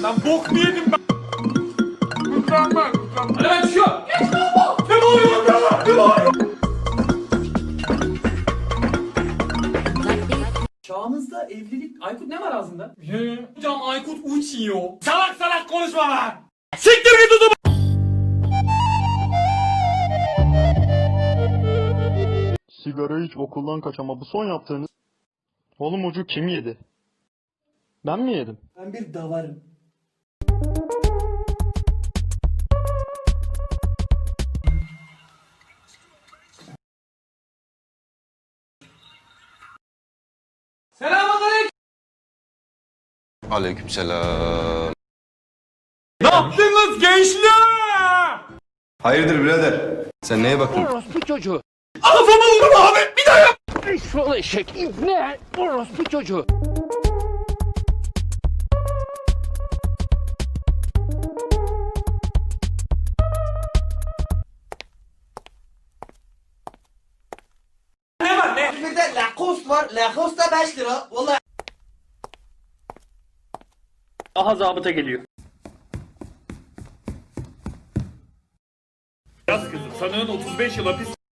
Lan bok mu yedim ben? Mükemmel. Hadi ben çıkıyorum. Geç lan bu. Ne bağırıyorsun ya? Ne bağırıyorsun? Çağımızda evlilik... Aykut ne var ağzında? Hocam Aykut uçuyor. Salak salak konuşma lan. Siktir git o zaman. Sigara iç okuldan kaç ama bu son yaptığınız... Oğlum ucu kim yedi? Ben mi yedim? Ben bir davarım. Selamünaleyküm. Aleykümselam. Ne yaptınız gençler? Hayırdır birader? Sen neye bakıyorsun? Orospu çocuğu. Kafama vurma abi. Bir daha yap. Eşşoğlu eşek. İbne. Orospu çocuğu. Ne var ne? Bir de Lacoste var. Lacoste da 5 lira. Vallahi. Aha zabıta geliyor. Yaz kızım sanığın 35 yıl hapis